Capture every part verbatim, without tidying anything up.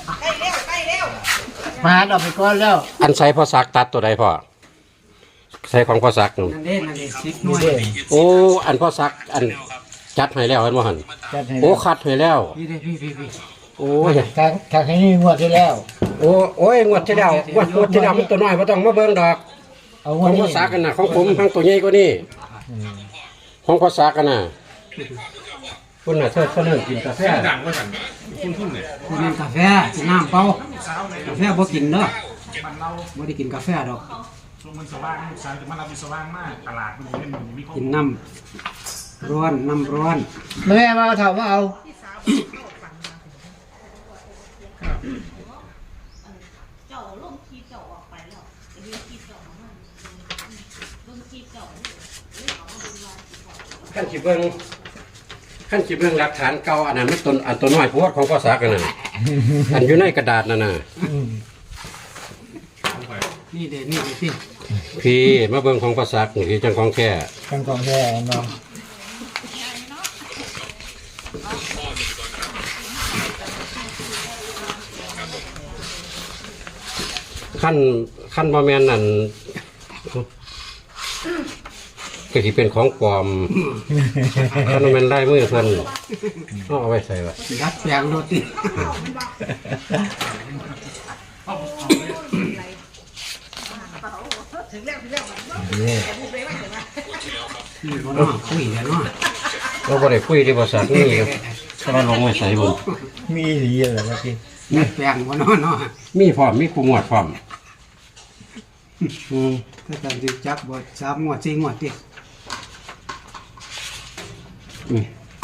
ใกล้เร็วใกล้เร็วมาหาเราไปก่อนแล้วอันใส่พ่อซักตัดตัวใดพ่อใส่ของพ่อซักนู่นนั่นเด้นั่นเด้สิบหน่นี่วยเด้โอ้อันพ่อซักอันจัดให้แล้วเห็นบ่หั่นจัดให้โอ้คัดให้แล้วนี่เด้พี่พี่พี่โอ้ยทางทางให้นี่งวดที่แล้วโอ้โอ้ยงวดที่แล้วงวดงวดที่แล้วมันตัวน้อยบ่ต้องมาเบิ่งดอกเอาขงวอดงนี้พ่อซักกันน่ะของผมทั้งตัวใหญ่กว่านี้ของพ่อซักกันน่ะคุณน่ะเธอเพิ่นกินกาแฟดังว่าสั่นคุ้นคุ้นเลยคือกินกาแฟกินน้ำเปล่ากาแฟบ่กินเด้อมันเราบ่ได้กินกาแฟดอกช่วงมันสว่างลูกชายจะมารับมีสว่างมากตลาดมันอยู่ในมันมีกินน้ำร้อนน้ำร้อนแม่มาเอาเถามาเอาเจ้าลงคีเจ้าออกไปแล้วจะมีคีเจ้ามาลงคีเจ้าขั้นสิเบิ่งขั้นสิเบิ่งหลักฐานเก่าอันนั้นมันต้นอันตัวน้อยโพดของพ่อซักกันน่ะอันอยู่ในกระดาษนั่นน่ะนี่เด้นี่เด้พี่พี่มาเบิ่งของพ่อซักนี่จังของแท้ทางกองแท้เนาะขั้นขั้นบ่แม่นนั่นก็สิเป็นของปลอมขั้นบ่แม่นลายมือเพิ่นเอาเอาไว้ใส่ไว้ดัดแปลงรถติถึงแล้วถึงแล้วนี่นี่บ่เนาะคุยแล้วเนาะเราบ่ได้คุยที่ภาษานี่ก็มาลงไว้ใส่บ่มีสีอะไรวะพี่ดัดแปลงบ่เนาะเนาะมีพร้อมมีคู่งวดพร้อมอืมถ้าการสิจับบ่สามงวดสี่งวดติอืม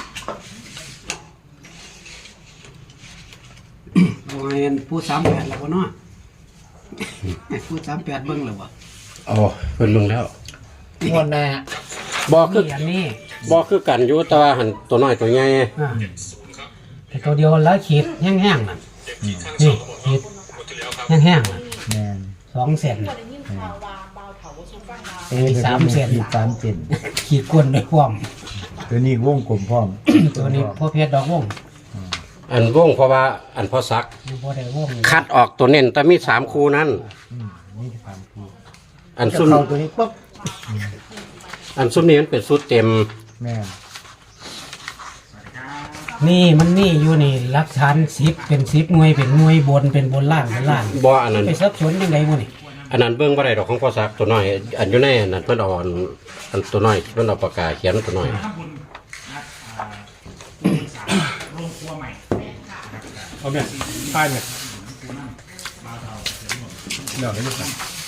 เอาให้ผู้สามแปดแล้วบ่เนาะให้ผู้สามแปดเบิ่งแล้วบ่อ๋อเพิ่นเบิ่งแล้วงวดหน้าบ่คือนี่อันนี้บ่คือกันอยู่แต่ว่าหันตัวน้อยตัวใหญ่อ่าแต่ตัวเดียวแล้วขีดแห้งๆนั่นนี่ขีดแห้งๆนั่นแม่นสองเซนได้ยินข่าวว่าเบาเถาสุฟังมาเอ้ยสามเซนสามเซนขีดก้นด้วยความตัวนี้วงกลมพร้อมตัวนี้พ่อเพชรดอกวงอันวงเพราะว่าอันพอซักนี่พ่อได้วงคัดออกตัวเน้นแต่มีสามคู่นั้นอืมนี่สามคู่อันจะซุ่มเข้าตัวนี้ปุ๊บอันซุ่มนี้มันเป็นสุดเต็มแม่นนี่มันนี่อยู่นี่หลักฐานสิบเป็นสิบหน่วยเป็นหน่วยบนเป็นบนล่างเป็นล่างบ่อันนั้นไปสับสนยังไงบ่นี่อันนั้นเบิ่งบ่ได้ดอกของพ่อซักตัวน้อย อันอยู่ในอันนั้นเพิ่นเอาอันอันตัวน้อยเพิ่นเอาปากกาเขียนตัวน้อยทำบุญนัดอ่าโรงครัวใหม่เอาเนี่ยป้ายเนี่ยเดี๋ยวให้ดูกัน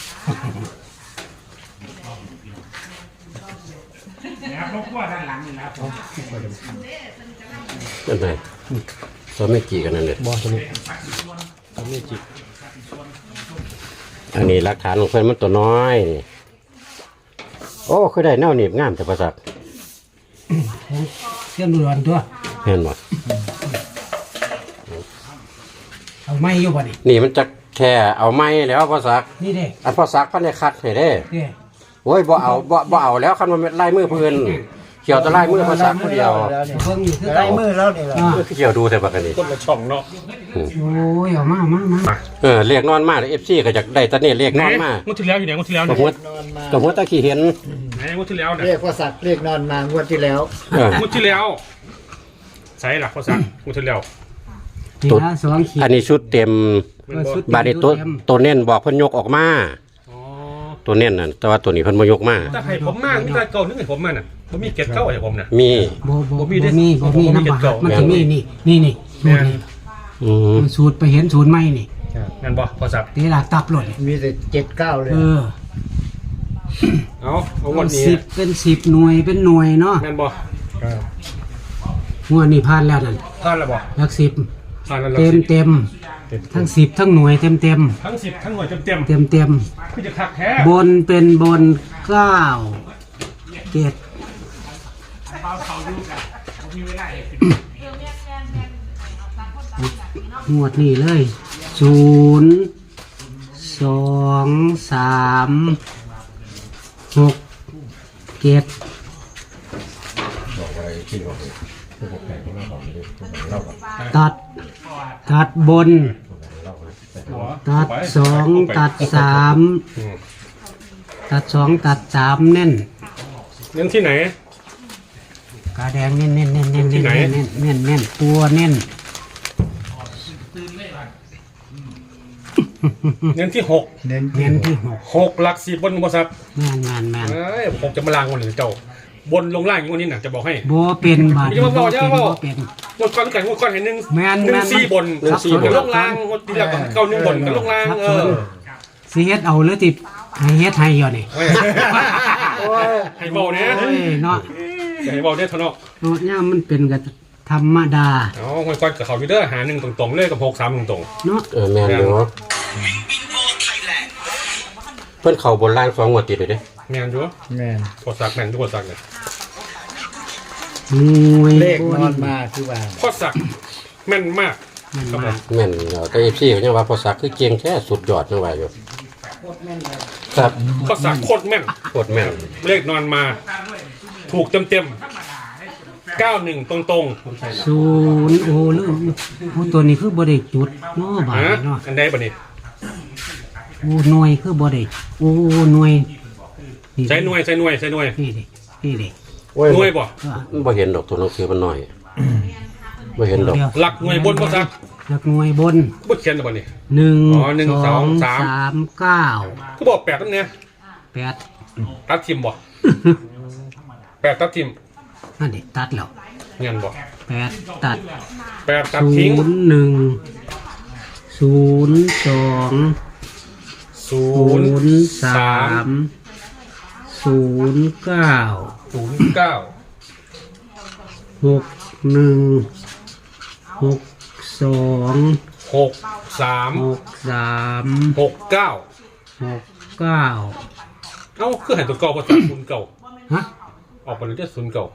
นะครับโรงครัวด้านหลังนี่นะครับนั่นไงตัวไม่จีกันนั่นเลยบ่ตัวนี้ตัวไม่จีอันนี้หลักฐานของเพิ่นมันตัวน้อยนี่โอ้คือได้แนวหนีบงามแต่พ่อซักเชื่อมดูรันตัวเห็นบ่เอาไม้อยู่บ่นี่นี่มันจะแค่เอาไม้แล้วพ่อซักนี่เด้อันพ่อซักเพิ่นได้คัดให้เด้เด้โอ้ยบ่เอาบ่บ่เอาแล้วคันมันเป็นลายมือเพิ่นเกี่ยวแตะลายมือภาษาผู้เดียวแล้วนี่เบิ่งอยู่คือลาเก่ายมือแล้วนี่ล่ะอ่าคือเกี่ยวดูแต่บักอันนี้คนละช่องเนาะโอ้ยเอามามามาเออเรียกนอนมาเอฟซีก็อยากได้ตะเนี่ยเรียกนอนมางวดที่แล้วอยู่ไหนงวดที่แล้วก็เนี่ยหัวนอนมาก็หัวตะขี้เห็นไหนงวดที่แล้วเนี่ยเรียกว่าสัตว์เรียกนอนมางวดที่แล้วเอองวดที่แล้วใช่หลักภาษางวดที่แล้วนี่ละสองขีดอันนี้ชุดเต็มเออสุดบาดนี้ตัวเต็มตัวเน้นบอกเพิ่นยกออกมาอ๋อตัวเน้นน่ะแต่ว่าตัวนี้เพิ่นบ่ยกมาแต่ให้ผมมากนี่แต่เก่านึกให้ผมมันอ่ะผมมีเก็ดเก่าให้ผมน่ะมีบ่บ่บ่บ่มีมีเด้บ่มีบ่มีน้ำบาเก่าดมันจะมีนี่นี่นี่แม่สูตรนนี่อืมสูตรไปเห็นสูตรใหม่นี่นั่นบ่พอสับตีหลักตับหล่นมีแต่เจ็ดเก้าเลยเออเอาเอางวดนี้สิบเป็นสิบหน่วยเป็นหน่วยเนาะนั่นบ่งวดนี้ผ่านแล้วนั่นผ่านแล้วบ่หลักสิบผ่านแล้วเต็มเต็มทั้งสิบทั้งหน่วยเต็มเต็มทั้งสิบทั้งหน่วยเต็มเต็มเต็มเต็มคือจะคักแท้บนเป็นบนเก้าเจ็ดเบาเขาดูกันผมมีเวลาให้สิบงวดนี้เลยศูนย์สองสามหกเจ็ดตัดตัดบนหัวตัดไปสองไปตัดสามอืมตัดสองตัดสามเน้นเน้นที่ไหนกาแดงเน้นเน้นเน้นเน้นที่เน้นไหนเน้นเน้นเน้นตัวเน้นเน้นที่หกเน้นเน้นที่หกหกหลักสิบบนบริษัทแม่นแม่นแม่นเอ้ยผมจะมาลางวันหรือเจ้าบนลงล่างอย่างวันนี้น่ะจะบอกให้บ่เป็นบาดอย่ามาบอกอย่ามาบอกบ่เป็นงวดก้อนไก่งวดก้อนเห็นหนึ่งแม่นหนึ่แม่งนสี่บนหนึ่งสี่บนลงล่างงวดที่แล้วกับเก้าหนึ่งบนกับลงล่างเออสิเฮ็ดเอาหรือติให้เฮ็ดให้อยู่นี่เฮ้ยให้เบาเนี่ยโอ้ยเนาะอย่าให้เบาเนี่ยทะเนาะโนดเนี่ยมันเป็นกับธรรมดาเอางวดก้อนกับเขาอยู่เด้อหาหนึ่งตรงๆเลยกับหกสามตรงเนาะเออแม่นอยู่เพิ่นเข้าบนล่างสองงวดติดเลยเด้ๆแม่นอยู่แม่นกดสักแม่นทุกกดสักเนี่ยหน่วยเลขบนอนมาคือว่าข้อสักแม่นมากแม่นครับผมาม กแม่นเนาะแต่ เอฟ ซี เขายังว่าพอสักคือเก่งแท้สุดยอดจังว่าอยู่ครับข้อสักโคตรแม่นโคตรแม่นเลขนอนมา ถูกเต็มๆเก้าหนึ่งตรงศูนย์โอ้ลืมโอ้ตัวนี้คือบ่ได้จุดเนาะๆบาดฮะนี้เนาะอันใดบ่นี่โอ้หน่วยคือบ่ได้โอ้หน่วยใช้หน่วยใช้หน่วยใช้หน่วยนี่ดินี่ดิโอ้ยหน่วยบ่เออมันบ่เห็นดอกตัวหนังสือมันน้อยบ่เห็นดอกเดี๋ยวหลักหน่วยบนข้อสักหลักหน่วยบนบ่เขียนบ่นี่หนึ่งอ๋อหนึ่งสสออง งสามสามเก้าก็บอกแปดตั้งเนี่ยแปดตัดทิมบ่แปดตัดทิมนั่นดิตัดแล้วเงี้ยบ่แปดตัดแปดตัดศูทิ้งนย์หนึ่งศูนย์สองศูศูนย์นย์สาสามมศูนย์เก้าศูนย์เก้าหกหนึ่งหกสองหกสามหกสามหกเก้าหกเก้าเอ้าคือให้ตัวเก่าภาษาศูนย์เก่าฮะออกไปเลยที่ศูนย์เก่า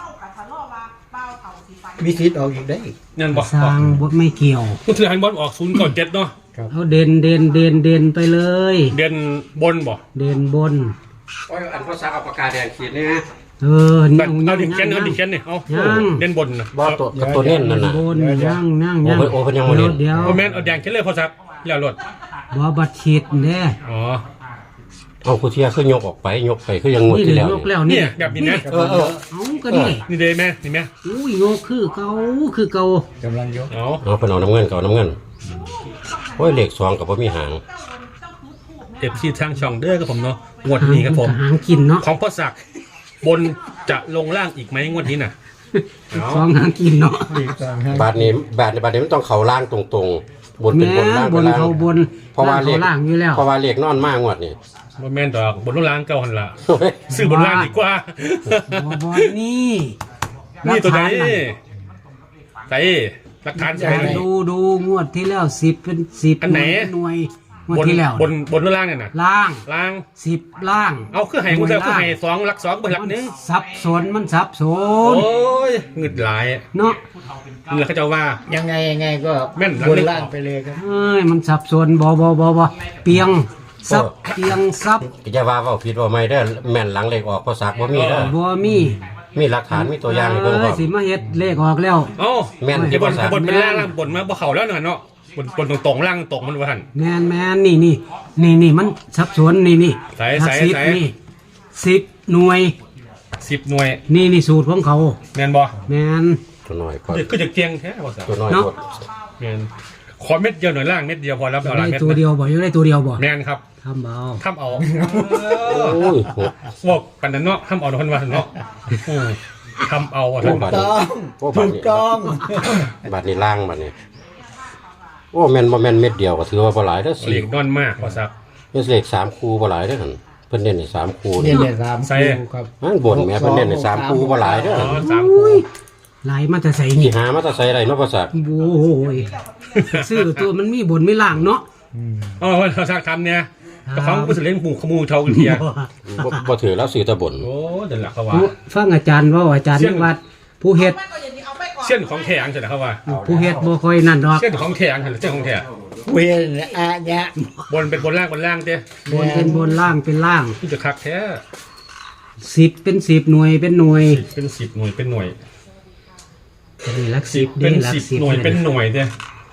มีสิทธิ์ออกอีกได้เงี้ยบ่สร้างบทไม่เกี่ยวก็ถือให้บอลออกศูนย์เก่าเจ็ดเนาะเอาเด่นเด่นเด่นเด่นไปเลยเด่นบนบ่เด่นบนโอ้ยอันพอสักเอาปากกาแดงขีดนี่เออแต่นี่เอาเอาดิย่างเขียนเอาดิย่างเขียนนี่เอายังเด่นบนนะบ่ตัวกับตัวเน้นนั่นน่ะบนย่างย่างโอ้ย่างเพิ่นโอ้เพิ่นยังบ่เห็นเดี๋ยวโอแมนเอาแดงเขียนเลยพอสักแล้วรถบ่บัดฉีดแน่อ๋อเอาผู้เที่ยคือยกออกไปยกไปคือยังงวดนี่ที่เลยแล้วยกแล้วเนี่นี่ยแบบนี้นะเออเออเอาก็นี่นี่เด้แม่นี่แม่อุ้ยงกคือเก่าคือเก่ากำลังยกเอาเอาเพิ่นเอาน้ำเงินก็เอาน้ำเงินโอ้ยเลขสองก็บ่มีหางเอฟซีทางช่องเด้อครับผมเนาะงวดนี้ครับผมหางกินเนาะของพ่อศักดิ์บนจะลงล่างอีกไหมงวดนี้น่ะเอาสองหางกินเนาะอีกสองห้าบาทนี้บาทนี้บาทนี้มันต้องเข้าล่างตรงๆ บนเป็นแม่บนล่างบเป็นนล่างเขาบนเพราะว่าเลล่างขเขาล่างอยู่แล้วเพราะว่าเลขนอนมากงวดนี่บ่แม่นดอกบนลงล่างเก่าหันละโอ้ยซื้อบนล่างดีกว่าบ่บ่นี่นี่ตัวไหนหลักฐาน่ะใส่หลักฐานใส่เลยดูดูงวดที่แล้วสิบเป็นสิบอันไหนหน่วยงวดบนที่แล้วบนบนลงล่างเนี่ยน่ะล่างล่างสิบล่างเอาคือให้กูเจอคือให้สองหลักสองเป็นหลักหนึ่งสับสนมันสับสโอ้นยเงึดหลายเนาะนี่แหละเขาจะว่ายังไงยังไงก็แม่นบนล่างไปเลยครับเอ้ยมันสับสนบ่บ่บ่บ่เปียงซับเปียงซับอย่าว่าเว้าผิดว่าไม่ได้อแม่นหลังเลขออกภาษาบ่มีเด้อบ่มีมีหลักฐานมีตัวอย่างให้เบิ่งพร้เอ้อย มสิมาเฮ็ดเลขออกแล้วเอ้าแม่นอย่าบนภาษาบนเป็นล่างล่างบนมาบ่เข่าแล้วน่ะเนาะบนบนตรงตรงๆล่างตรงมันว่าหันแมนแมนนี่นี่นี่นี่มันสับสนนี่นี่ใส่หลักใส่สิบใส่นี่สิบหน่วยสิบหน่วยนี่นี่สูตรของเขาแม่นบ่แมนตัวน้อยก็คือจะเกียงแท้ภาษาตัวน้อยเนาะกดแม่นขอเม็ดเดียวหน่อยล่างเม็ดเดียวพอแล้วเอาหลายได้เม็ดตัวนะเดียวบ่ยังได้ตัวเดียวบ่แม่นครับทำเบาทำเอาโอ้ยโหบอกปันนั้นเนาะทำเอาทุกคนว่าเนาะอืมทำเอาว่าโอ้ท่านบาทต้นี้องโอ้บาถูทกนี้ต้องบาทนี้ล่างบาทนี้โอ้แม่นบ่แม่นเม็ดเดียวก็ถือว่าบ่หลายเด้อเหสี่ลีกนอนมากภาษาเป็นเลขสามคู่บ่หลายเด้อหั่นเพิ่นเน้นให้สามคู่เนี่นี่ยเนี่ยสามใส่คู่ครับอันบนแม่เพิ่นเน้นให้สามคู่บ่หลายเด้ออ๋อหั่นสามอุ้คู่ยไหลมาแต่ใส่สินี่หามาแตะไสได้เนาะภาษาโอ้โหยซื้อตัวมันมีบนไม่ล่างเนาะอ๋อภาษาทำเนี่ยแต่เขาก็เป็นเล่นหมู่ขมูเท่ากันเทียบ่บ่ถือแล้วซื้อแตะบนโอ้เดินหลักเขาว่าผู้ฟังอาจารย์เว่าอาจารย์เสี่ยงนิวัดผู้เฮ็ดเส้นของแข็งใช่ไหมเขาว่าผู้เฮ็ดบ่ค่อยนั่นดอกเส้นของแข็งใช่ไหมเส้นของแข็งเวียนอะยะบนเป็นบนล่างบนล่างเด้บนเป็นบนล่างเป็นล่างที่จะคักแท้สิบเป็นสิบหน่วยเป็นหน่วยเป็นสิบหน่วยเป็นหน่วยนี่หลักสิสิบบ เป็นหลักสิบสิบหน่วยเป็นหน่วยเด้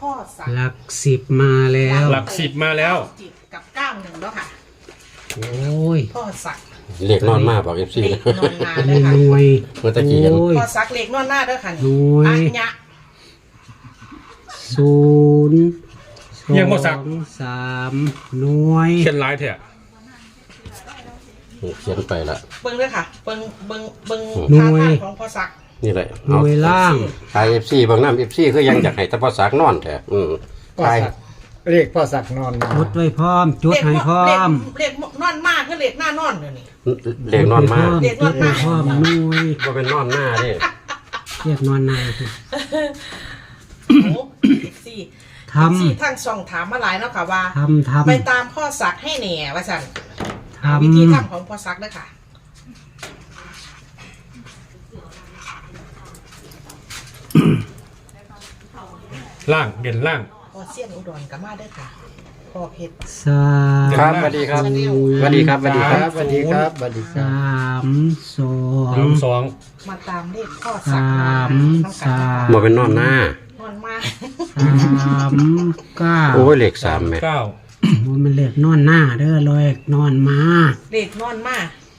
พ่อสักหลักสิบมาแล้วหลักสิบมาแล้วจิบกับเก้าหนึ่งแล้วค่ะโอ้ยพ่อสักเรียกนอนมาบอก เอฟ ซีเล็นะกนอนนาอันเลนี้ยค่ะหน่วยเมื่อตะกี้เห็นโอ้ยพ่อสักเล็กนอนหน้าด้วยค่ะนี่หน่วยอัญญะศูนย์สยังบ่สักองสามหน่วยเขียนลายเถอะเขียนไปละเบิ้งด้วยค่ะเบิ้งเบิ้งเบิ้งหน่ท่าวยทางของพ่อสักนี่แหละหน่วยล่างไอเอฟซีบางน้ำเอฟซีคือยังอยากให้แตะพอสักนอนแท้อืมพ่อใช่สักเรียกพ่อสักนอนมาจดไว้พร้อมจดให้พร้อมเล็กนอนมากคือเล็กหน้านอนเลยนี่เรียกนอนมาเรียกนอนมาจดไว้พร้อมหน่วยก็เป็นนอนหน้าเด้เรียกนอนนายคือโอ้เอฟซีทำซีทั้งช่องถามมาหลายเนาะค่ะว่าทำทำไปตามพ่อสักให้แหน่ว่าสั่นทำวิธีทำของพ่อสักด้วยค่ะล่างเด่นล่างพ่อเสี้ยนอุดรกับมาด้วยค่ะพ่อเพชรสามครับสวัสดีครับสวัสดีครับสวัสดีคครัรับ บสวัสดีครับสวัสดีคสรับามสองสามสองมาตามเลขพ่อสักสามน้ำสากันมมาเป็นนอนหน้านอนมาสามเก้าโอ้ยเลขสามแม่เก้ามันเป็นเลขนอนหน้าเด้อเลขนอนมาเลขนอนมา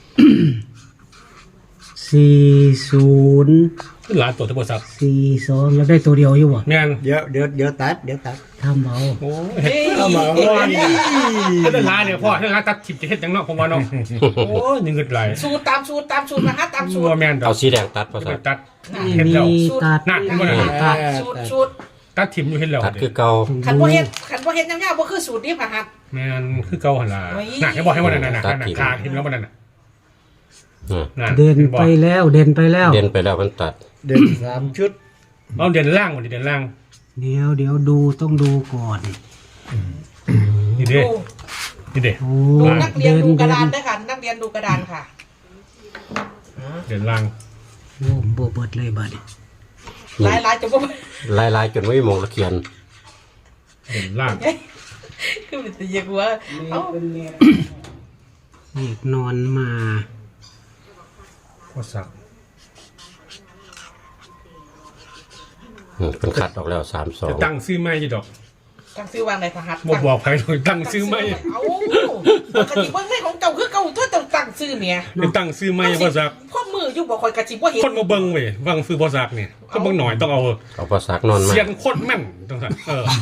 สี่ศูนย์ขึ้นหลานตัวที่บริษัทสี่สองแล้วได้ตัวเดียวอยู่บ่แม่นเดี๋ยวเดี๋ยวเดี๋ยวตัดเดี๋ยวตัดทำเอาโอ้ยเฮ้ยเอามาโอ้ยถ้าเดินลายเนี่ยพ่อถ้าลายตัดถิบจะเฮ็ดจังเนาะผมว่าเนาะโอ้ยยังเงินไหลสูตรตามสูตรตามสูตรนะคะตามสูชัตวรแม่นดอเอากสีแดงตัดพอจะสัไปกตัดไม่เห็นแล้วมีตัดนั่นเห็นบ่นั่นน่ะตัดสูตรสูตรตัดถิ่มอยู่เห็นแล้วตัดคือเก่าขันบ่เฮ็ดขันบ่เฮ็ดยาวๆบ่คือสูตรนี้ค่ะฮัทแม่นคือเก่าหั่นล่ะโอ้ยน่ะให้บอกให้ว่านั่นน่ะน่ะน่ะขาเห็นแล้วบ่นั่นน่ะอ่านั่นเดินห็บ่ไปแล้วเดินไปแล้วเด่นไปแล้วมันตัดเด่นสามชุดเอาเด่นล่างก่อนดิเด่นล่างเดี๋ยวเดี๋ยวดูต้องดูก่อนนี่เด้ดูนี่เด้โอ้ดูนักเรียนดูกระดานเดิด้วยค่ะนักเรียนดูกระดานค่ะเด่นล่างโอ้โบเบิดเลยบัดนี้หลายๆจะบ่ลายลายๆจนไม่มองละเขียนเด่นล่างคือมันจะเยกว่าเอ้าเลขนอนมาก็สักอืมเป็นคัดออกแล้วสามสอจะงตั้งซื้อไม้ยี่ดอกตั้งซื้อวางในพระหัตถ์บอกบอกใครเลยตั้งซื้อไม้เอ้าปกติเบิ่งในของเก่าคือเก่าเธอต้องตั้งซื้อเมียจะตั้งซื้อไม้บ่สักพ่อมืออยู่บ่ค่อยกระจิบบ่เห็นคนมาเบิ่งเว้ยวังซื้อบ่สักเนี่ยก็เบิ่งหน่อยต้องเอาเอาพอสักนอนมาเสียงโคตรแม่นต้องสั่นเออ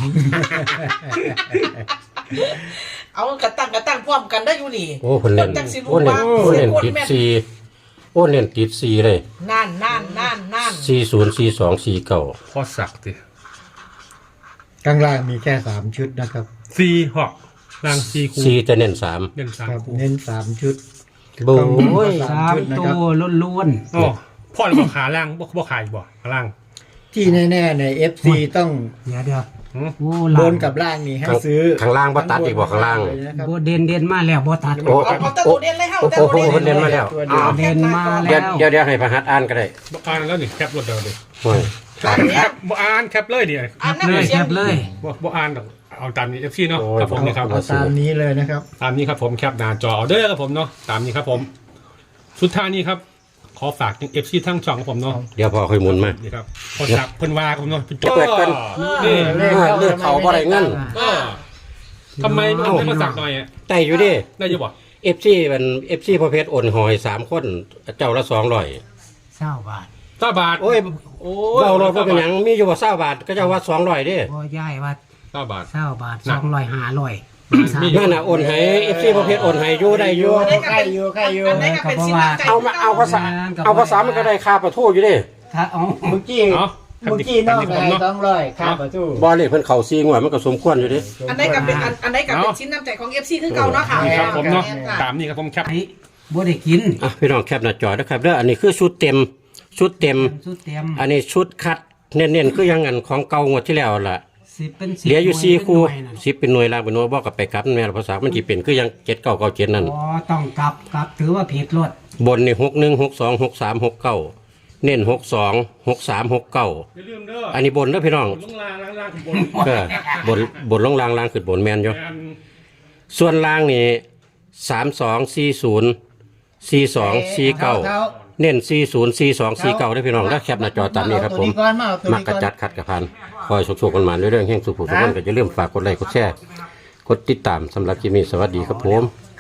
เอากระตั้งกระตั้งพร้อมกันได้อยู่นี่โอ้คนเล่นจังสิรู้โอ้เล่นว่าโอ้เล่นเสียงโคตรติดแม่นซีโอ้เล่นติดซีเลยนั่นนั่นนั่นนั่นสี่ศูนย์สี่สองสี่เก้าพอสักติข้างล่างมีแค่สามชุดนะครับซีหอกล่างซีคูสี่จะเน้นสามเด่นสามครับคูเน้นสามชุดโบ้ยสามตัวล้วนโอ้พ่อเราบอกขาล่างบ่บ่ขายบ่ขาล่างที่แน่ๆใน เอฟ ซี ต้องๆเดี๋ยวเดี๋ยวหืมโอ้บล่างนกับล่างนี่ให้ข้างซื้อข้างล่างบ่ตัดอีกบ่ข้างล่างเลยนะครับโบเด่นเด่นมาแล้วบ่ตัดโอ้เอาเอาแตะตัวเด่นเลยเฮาโอ้แตะโอ้ตัวโหเด่นเพิ่นเล่นมาแล้วตัวเดียวอ้าวเด่นมาเดี๋ยวแล้วเดี๋ยวเดี๋ยวให้พระหัตถ์อ่านก็ได้บ่อ่านแล้วนี่แคปรถเดียวดิโอ้ยแคปบ่อ่านแคปเลยดิอ่านเลน้ำยเสีแคยงบเลยบ่บ่อ่านดอกเอาตามนี้ เอฟ ซี เนาะครับผมนี่ครับเอาตามนี้เลยนะครับตามนี้ครับผมแคปหน้าจอเอาเด้อครับผมเนาะตามนี้ครับผม สุดท้ายนี้ครับ ขอฝากถึง เอฟ ซี ทั้งช่องของผมเนาะเดี๋ยวพอค่อยหมุนมานี่ครับพอสักเพิ่นว่าครับผมเนาะเปิดเพิ่นนี่เลขเออเข้าเลือกเขาบ่ได้เงินเออทำไมไม่ไม่มาสักหน่อยอ่ะได้อยู่ดิได้อยู่บ่เอฟซีมันเอฟซีประเภทโอนหอยสามคนเจ้าละสองร้อยเศร้าบาทเก้าบาทโอ้ยโอ้เราเราเป็นหยังมีอยู่ว่าเศร้าบาทก็เจ้าว่าสองร้อยดิบ่ย้ายว่าเก้าบาทเศร้าบาทน่ะสองร้อยห้าร้อยมีนั่นน่ะโอนให้เอฟซีประเภทโอนให้อยู่ได้อยู่ใกล้อยู่ใกล้อยู่อันไหนก็เป็นชิ้นน้ำใจเอามาเอาภาษาเอาภาษามันก็ได้ค่าประทูอยู่ดิถ้าเอาเมื่อกี้เนาะเมื่อกี้นอกได้ต้องร้อยค่าประตูบอลเลยเพิ่นเข่าซีงวดมันก็สมควรอยู่ดิอันไหนก็เป็นอันอันไหนก็เป็นชิ้นน้ำใจของ เอฟ ซี คือเก่าเนาะค่ะนี่ครับผมเนาะแม่ค่ะตามนี้ครับผมแคปไอ้บ่ได้กินอ่ะพี่น้องแคปหน้าจอนะครับเด้ออันนี้คือชุดเต็มชุดเต็มสุดเต็มอันนี้ชุดคัดเน้นๆคือยังงันของเก่างวดที่แล้วล่ะสิบเป็นสิบเหลืออยู่สี่คู่หน่วยนั่นสิบเป็นหน่วยล่างเป็นหน่วยบอกกับไปกลับนั่นแม่ละภาษามันสิเป็นคือยังเจ็ดเก้าเก้าเจ็ดนั่นอ๋อต้องกลับกลับถือว่าผิดรถบนนี่หกหนึ่งหกสองหกสามหกเก้าเน้นหกสองหกสามหกเก้าอย่าลืมเด้ออันนี้บนเด้อพี่น้องลงล่างล่างล่างถึงบนเออบนบนลงล่างล่างขึ้นบนแมนอยู่อันส่วนล่างนี่สามสองสี่ศูนย์สี่สองสี่เก้าเน้นสี่ศูนย์สี่สองสี่เก้าได้อพี่น้องได้อแคปหน้าจอตามนี้ครับผมเอาตัวนี้ก่อนมาเอาตัวมักนี้กระก่อนจัดขัดกระพันขคอยโชคๆกันมาเรื่อยๆแห่งสุขสุขคนก็จะเริ่าลืมฝากกดไลค์กดแชร์กดติดตามสำหรับคลิปนี้สวัสดีครับผม